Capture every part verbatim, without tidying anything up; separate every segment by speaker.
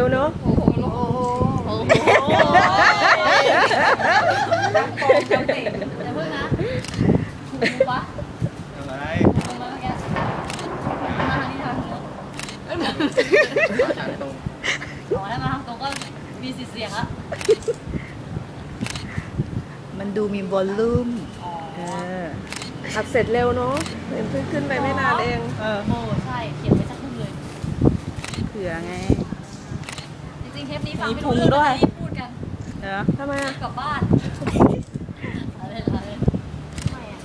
Speaker 1: เนอะ
Speaker 2: โอ้โหโอ้โหโอ้โหดังโป่งดังเตะอย่าเพิ่งนะถูกปะ
Speaker 3: อะไร
Speaker 2: ถูกมาเมื่อกี้มาทางนี้ทางนี้
Speaker 3: ทางตรง
Speaker 2: อ๋อแล้วมาทางตรงก็มีสิทธิ์เสียงอะ
Speaker 4: มันดูมีวอลลุ่ม
Speaker 2: อ๋อ
Speaker 4: เออ
Speaker 1: อัดเสร็จเร็วเนาะเห็นเพิ่งขึ้นไปไม่นานเอง
Speaker 4: เออ
Speaker 2: โอ้ใช่เขียนไว้สักครึ่งเลย
Speaker 4: เผื่อไง
Speaker 2: จริงๆเทปนี้ฟังไม่รู้เรื่องเลยรีบพูดกัน
Speaker 4: เออ
Speaker 1: ทำไมอ่ะ
Speaker 2: กลับบ้านอะไรอะไรไม่อะ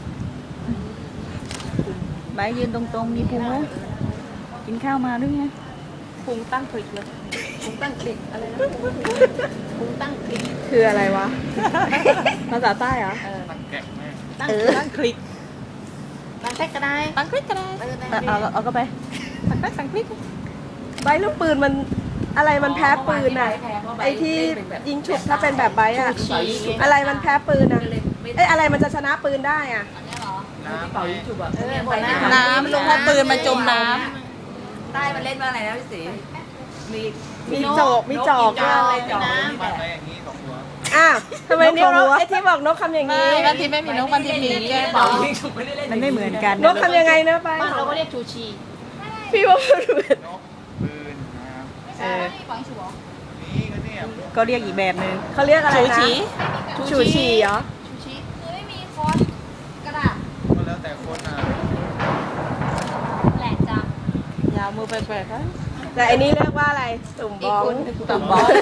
Speaker 4: ใบยืนตรงๆ มีพุงไหมกินข้าวมาด้วยไง
Speaker 1: พุงตั้งคลิกเลย
Speaker 2: พุงตั้งคลิกอะไรนะพุงตั้งคลิก
Speaker 1: คืออะไรวะ ภาษาใต้เหรอ
Speaker 2: เออ
Speaker 3: มันแกะแม่
Speaker 2: ตั้ง
Speaker 4: เออ
Speaker 2: ตั้งคลิกตั้งแท็กก็ได้
Speaker 4: ตั้งคลิกก็ได้
Speaker 2: เออได้
Speaker 4: เอาเอาเอาก็ไปตั้งคลิกตั้งคลิก
Speaker 1: ใบลูกปืนมันอะไรมันแพ้ปืนอ่ะ ไอ้ที่ยิงฉุบถ้าเป็นแบบใบอ่ะ อะไรมันแพ้ปืนอ่ะเอ้ยอะไรมันจะชนะปืนได้อ่ะ
Speaker 2: อันนี้เหรอ
Speaker 3: น้ำเป่ายิงฉุบอ่ะ
Speaker 2: เออหมดแล้ว
Speaker 4: น้ำลงเพราะปืนมันจมน้
Speaker 5: ใต้มันเล่นว่าอะไรนะพี่สีมี
Speaker 1: มีจอกมีจอก
Speaker 5: จอกเลยจอก
Speaker 3: มันไปอย่างนี้สองหัว
Speaker 1: อ้าวทำไมนิ้วนกไอ้ที่บอกนกคำอย่างนี้
Speaker 4: ำบางทีไม่มีนกบางทีมีแก้
Speaker 5: เป่า
Speaker 4: เป่า
Speaker 5: ยิงฉุบไม่ได้เล่น
Speaker 4: มันไม่เหมือนกัน
Speaker 1: นกคำยังไงเนอะไป
Speaker 2: บ้านเราก็เรียกชูชี
Speaker 1: พี่ว่ามันเหมือน
Speaker 3: นกปืนนะครับ
Speaker 2: ไม่ใช่ฝังชูเหรอ
Speaker 3: นี่ก็เนี่ย
Speaker 4: ก็เรียกอีกแบบหนึ่ง
Speaker 1: เขาเรียกอะไร
Speaker 4: ชู
Speaker 1: นะ
Speaker 4: ชี
Speaker 1: ชูชีเหรอ
Speaker 2: ชูชีคือไม่มีคอนกระดาษ
Speaker 3: ก็แล้วแต่คนอ่ะ
Speaker 2: แหลกจัง
Speaker 4: ยาวมือแปลกๆครับ
Speaker 1: แต่อันนี้เรียกว่าอะไรตุ่มบ้อง
Speaker 4: ต่ำบอส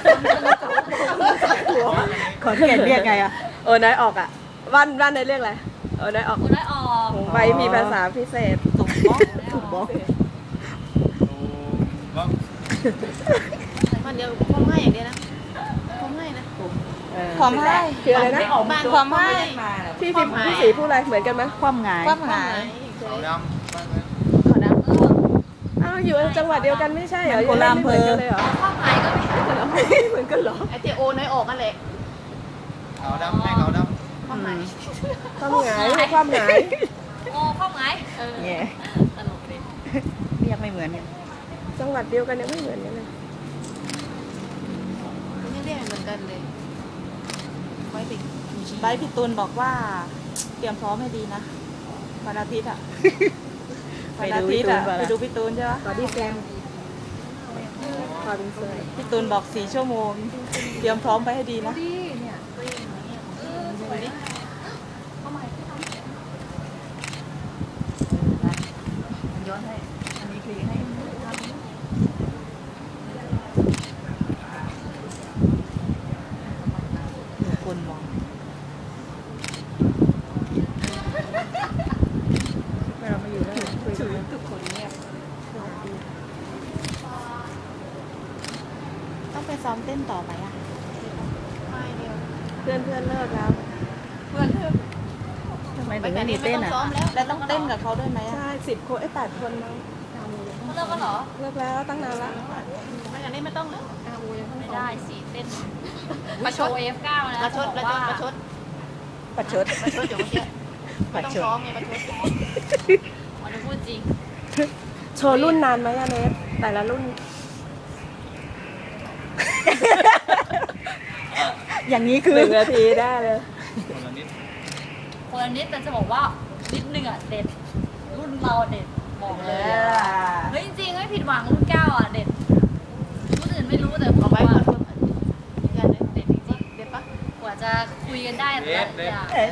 Speaker 4: ขอนแก่นเรียกไงอ่ะ
Speaker 1: โอ้น้อยออกอ่ะวันวันไหนเรียกอะไรโอ้น้อยออก
Speaker 2: คุณได้ออก
Speaker 1: ของใบมีภาษาพิเศษ
Speaker 4: ตุ่มบอสตุ่มบอส
Speaker 3: ดูว่า
Speaker 2: มันเดียวพ่อให้อย่างเดียวนะพ่อให้นะ
Speaker 4: ความให้
Speaker 1: คืออะไรนะ
Speaker 4: ความให้
Speaker 1: พี่พี่พี่สีพูดอะไรเหมือนกันไหม
Speaker 4: ความหงาย
Speaker 2: ความหมาย
Speaker 3: ขาวดำบ้างไหม
Speaker 2: ขอดำเออ
Speaker 1: อ้าวอยู่จังหวัดเดียวกันไม่ใช่เหรอ
Speaker 4: มันคนละอำเภอ
Speaker 1: ไม่เหมือนกันเลยเหรอ
Speaker 2: ความหมายก็ไม่
Speaker 1: ไม่เหมือนกันเหรอ
Speaker 2: ไอเจโอน้อยออกกันเลย
Speaker 3: ขาวดำให้ขาวด
Speaker 2: ความหมาย
Speaker 1: ความหงายความหงาย
Speaker 2: โอ้ความหมายเออ
Speaker 4: เนี่ย
Speaker 2: ตลกเลย
Speaker 4: เรียกไม่เหมือนกัน
Speaker 1: จังหวัดเดียวกันยังไม่เหมือนกันเลย
Speaker 2: ไม่เรียกเหมือนกันเลยไว้ติด
Speaker 4: ใบพี่ตูนบอกว่า เตรียมพร้อมให้ดีนะวันอาทิตย์อ่ะวันอาทิตย์อ่ะไปดูพี่ตูนใช่ไหม
Speaker 1: บอดี้แกมขอเป็นเซอร์
Speaker 4: พี่ตูนบอกสี่ชั่วโมง เตรียมพร้อมไปให้ดีนะ
Speaker 2: ดีเนี่ยเออสวยดิความหมาย
Speaker 5: ย้อนให้ อันนี้คลีให้
Speaker 4: มีคนมองเรามาอยู่แล้วคุยกันทุกคนเงียบต้องไปซ้อมเต้นต่อไหมอ่ะ
Speaker 2: ไม่เดียว
Speaker 1: เพื่อนเพื่อนเลิกแล้ว
Speaker 2: เพื่อนเพื่อน
Speaker 4: ทำไมถึงไม่มีเต้นอ่ะ แล้วต้องเต้นกับเขาด้วยไหมอ่ะ
Speaker 1: ใช่สิบคนไอ้แปดคนมั้ง
Speaker 2: เขาเลิกกันเหรอ
Speaker 1: เลิกแล้วตั้งนานละ
Speaker 2: ไม่งั้นนี่ไม่ต้องแล้วไม่ได้สิเต้นประชด เอฟ เก้า นะ
Speaker 5: ประชดประชดประชด
Speaker 4: ประชด
Speaker 5: ประชดอยู่เมื่อกี้
Speaker 4: ประ
Speaker 5: ต้อง
Speaker 4: ชด
Speaker 5: ซ้อมไงประชด
Speaker 2: มันจะพูดจริง
Speaker 1: โชว์รุ่นนานไหมอะเนสแต่ละรุ่น
Speaker 4: อย่างนี้คือ
Speaker 1: หนึ่งนาทีได้เลย
Speaker 3: ำคนละนิด
Speaker 2: คนละนิดแต่จะบอกว่านิดหนึ่งอ่ะเด็ด รุ่นเราเด็ดบอกเลย เฮ้ยจริงๆไม่ผิดหวังรุ่นเก้าอ่ะเด็ดรุ่นอื่นไม่รู้แต่ผม
Speaker 5: เอาไว้
Speaker 2: ว่า
Speaker 5: ก่อนเพื่อน
Speaker 2: เด็ดจริง
Speaker 5: เด็ดปะ
Speaker 2: ๆกว่าจะคุยกันได้แต่ละอย่าง
Speaker 4: เออ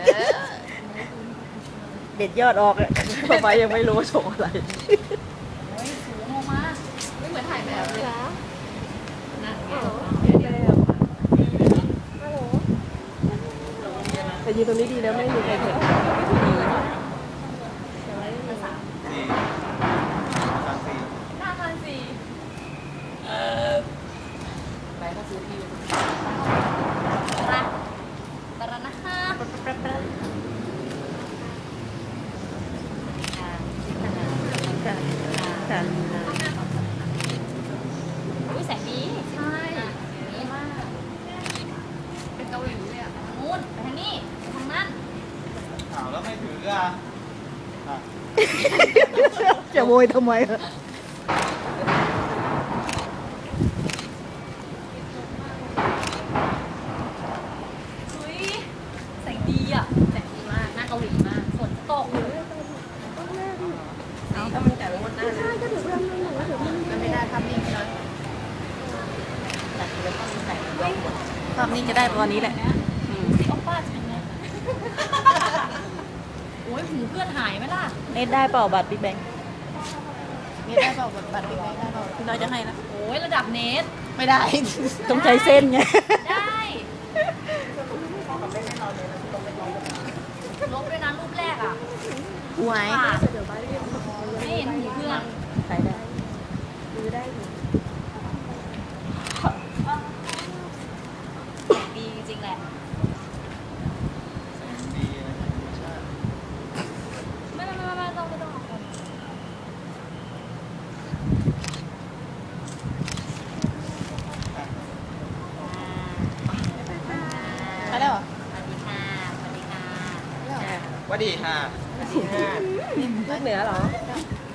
Speaker 4: เด็ดยอดออกเลย
Speaker 1: ต่อไปยังไม่รู้ว่าโชว์อะไร
Speaker 2: โอ้ยสูงออกมาไม่เหมือนถ่ายแบบเลยนะ
Speaker 1: แต่ยืนตรงนี้ดีแล้วไม่มีใครเห็น
Speaker 3: สี่สามสี่
Speaker 2: หน้าพันสี่
Speaker 5: ไปก็ซื้อที่
Speaker 2: ตระตระนะฮะ
Speaker 4: ค่ะ
Speaker 2: อุ้ยแสงดีใช่ดีมากเป็นเกาหลีเลยอ่ะนู้นไปทางนี้ไปทางนั้น
Speaker 3: ขาวแล้วไม่ถืออ่ะอ่ะ
Speaker 4: จะโวยทำไมอะนี่จะได้ตอนนี้แหละ
Speaker 2: สิโอป้าจังเลยโอ้ยหูเพื่อนหายไหมล่ะ
Speaker 4: เน็ตได้เปล่าบัตรบิ๊กแบงค์เน็ตได้เปล่าบัตรบิ๊กแบงค์ได้เปล่าพี่น้อยจะให้นะ
Speaker 2: โอ้ยระดับเนส
Speaker 4: ไม่ได้ ต้องใช้เส้นไง
Speaker 2: ได้ลบด้วยนะรูปแรกอ่ะ
Speaker 4: หวย
Speaker 2: ขาดไม่เห็นหูเพื่อน
Speaker 4: ใช้ได้
Speaker 1: ซื้อได้อยู่
Speaker 2: ดีจริงๆแหละ
Speaker 3: แสงดีนะธรรมชาติ
Speaker 2: ไม่ไม่ไม่ไม่ต้องไม่ต้อง
Speaker 4: ใช้ได้เหรอ
Speaker 2: สวัสดีค่ะสวัสดีค่ะ
Speaker 3: หวัดดีค่ะ
Speaker 1: ลูกเหนือเหรอ
Speaker 2: ส